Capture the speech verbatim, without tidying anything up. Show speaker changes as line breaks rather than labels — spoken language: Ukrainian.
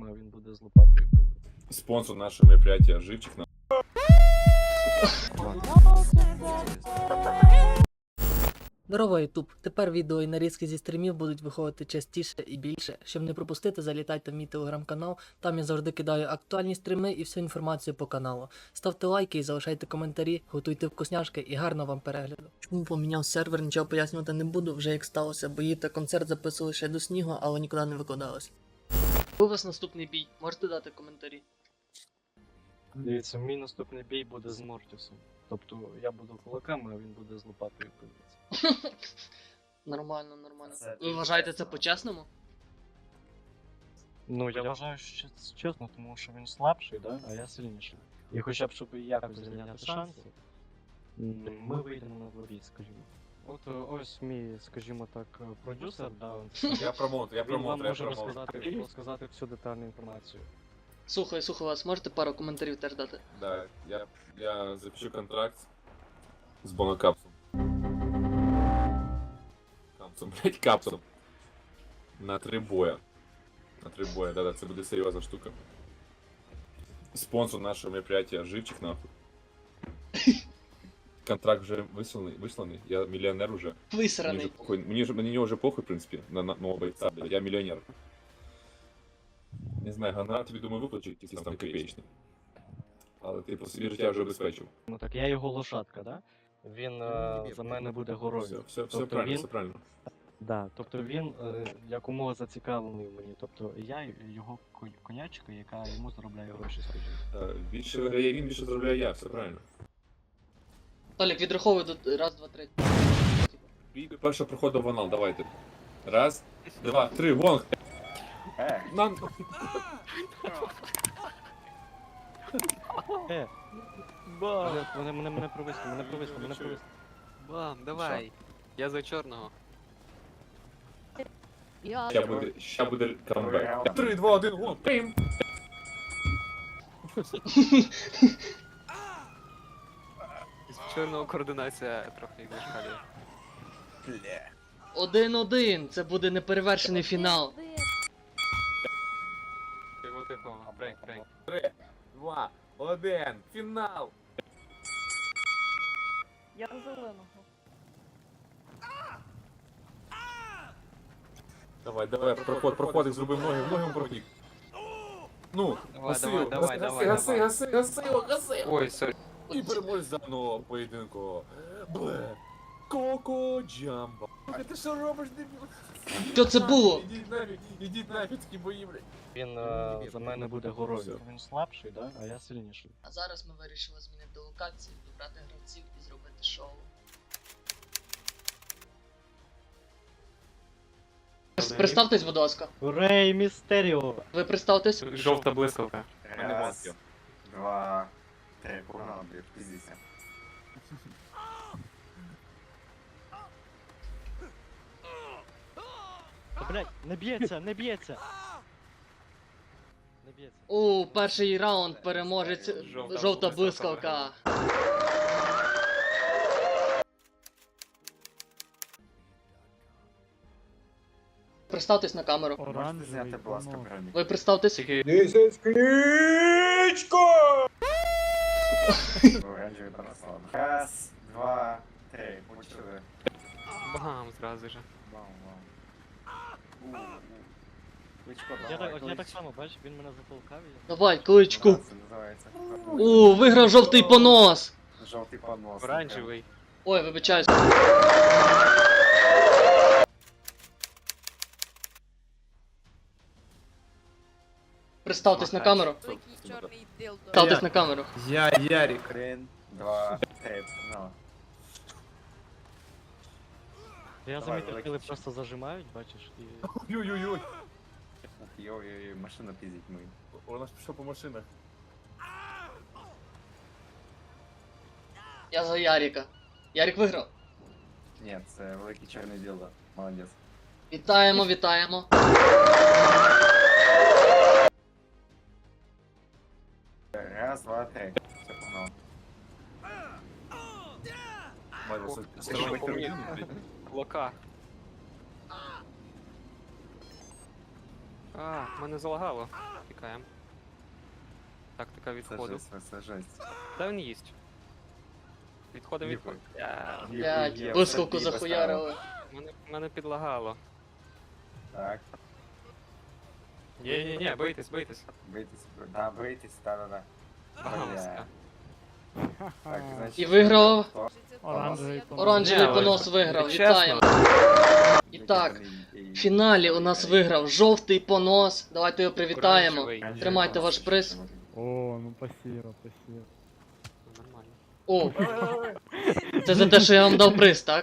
а він буде з лопатою пиздити.
Спонсор нашего мероприятия Живчик. На...
Здорово, Ютуб! Тепер відео і нарізки зі стрімів будуть виходити частіше і більше. Щоб не пропустити, залітайте в мій телеграм-канал, там я завжди кидаю актуальні стріми і всю інформацію по каналу. Ставте лайки і залишайте коментарі, готуйте вкусняшки і гарного вам перегляду. Чому поміняв сервер, нічого пояснювати не буду, вже як сталося, бо її та концерт записували ще до снігу, але нікуди не викладалось. У вас наступний бій, можете дати коментарі.
Дивіться, мій наступний бій буде з Мортісом. Тобто я буду кулаками, а він буде з лопатою пиздити.
Нормально, нормально. Ви вважаєте це по-чесному?
Ну, я вважаю, що це чесно, тому що він слабший, да? А я сильніший. І хоча б, щоб якось зайняти шанси, ми вийдемо на двобій, скажімо. От е, ось мій, скажімо так, е, продюсер, да, він,
Я промоутер, я
він вам
промоутер, я
може
промоутер.
розказати, розказати всю детальну інформацію.
Слухаю, слухаю вас, можете пару коментарів теж дати?
Да, я, я запишу контракт с Бонокапсом. Капсом, блять, капсом. На три боя. На три боя, да-да, це буде серйозна штука. Спонсор нашего мероприятия Живчик, нахуй. Контракт вже висланий, висланий, я мільйонер уже. Мені вже
Висраний.
похуй, мені, вже- мені вже похуй, в принципі, на, на нового бойця, блядь, я мільйонер. Не знаю, гонорар тобі, думаю, виплачу, якийсь там копеечний. Але ти по собі життя вже обезпечив.
Ну так, я його лошадка, да? Він е, за мене буде
Все,
горою.
все, все
Тобто
правильно,
він-
все правильно.
Да, тобто він е, якомога зацікавлений в мені. Тобто я його конь- конячка, яка йому заробляє гроші, скажімо.
Е, Більше виграє він, більше заробляю я, все правильно.
Толік, відраховуй до раз, два, три.
Бій до першого проходу в анал, давайте. Раз, два, три, гонг! Нам...
Е! Вони, вони мене, мене провисли, мене провисли, мене
Чую.
провисли.
Бам, давай. Я за чорного.
Я
Ща буде, ща буде камбек. Три, два, один, гонг! Пим!
З чорного координація трохи як зашкалює.
Один-один, це буде неперевершений фінал.
Тихо, тихо, брейк, брейк.
Три, два, один, фінал!
Я зеленого.
Давай, давай, проход, проходик, зроби ноги, в ноги прохід. Ну,
Давай,
гаси
давай,
його,
давай,
гаси,
давай,
гаси,
давай.
гаси, гаси його, гаси його.
Ой, сорі.
І переможець даного поєдинку. Бле. Коко Джамбо. Ти що робиш, дебіл?
Що це було?
Ідіть нафіг, ідіть нафіг, такі бої, блядь.
Він е, за мене буде горою.
Все.
Він слабший, да? А я сильніший.
А зараз ми вирішили змінити локацію, добрати гравців і зробити шоу. Представтесь, будь ласка.
Рей Містеріо!
Ви представтесь?
Жовта блискавка.
Раз, два, три, погнали, блядь, пиздися.
Та, блядь, не б'ється, не б'ється! Не б'ється.
У перший раунд переможець
Жовта
жовта
блискавка.
блискавка. Представтесь на камеру.
Можете зняти, будь ласка, броню?
Ви представтесь?
Тільки
Оранжевий парасон. Раз, два, три, почали.
бам зразу же.
Вау, вау. У, у. Кличко,
Я
давай,
так, от я так
клич.
само, бачиш, він мене затолкав і я...
Давай, кличку.
Це називається.
У, виграв жовтий понос.
Жовтий понос.
Оранжевий.
Ой, вибачаюсь. Представтесь на камеру.
Такий чорний дилдо.
Представтесь на камеру.
Я Ярик.
Один, два, три, погнали.
Я
Давай,
замітив,
великий
коли
чим.
просто зажимають, бачиш, і...
Ой-ой-ой.
Ух, йой-йой, машина піздить ми.
Вона ж пішла по машинах.
Я за Яріка. Ярік виграв.
Ні, це великий чорний діло. Молодець.
Вітаємо, вітаємо.
Раз, два, три. Все, погнали.
Майже
О,
це-
це що, по мені? Лока. А, мене залагало. Тікаємо. Тактика
Це
відходу.
жесть, це жесть.
Та він їсть. Відходимо,
Ніхуй.
відходимо. Я...
Блядь,
Ніхуя,
блискавку
собі
захуярили.
Мене, мене підлагало.
Так,
Ні-ні-ні, бийтесь, бийтесь.
бийтесь, да, бийтесь, да-да-да.
Багамська.
Так, значить...
І виграв
хто?
Оранжевий
Оранжевий
Ні,
понос
але-
виграв,
але
вітаємо. І так, в фіналі у нас виграв жовтий понос. Давайте його привітаємо.
Оранжевий.
Тримайте ваш приз.
О, ну спасибо, спасибо.
Нормально.
О, це за те, що я вам дав приз, так?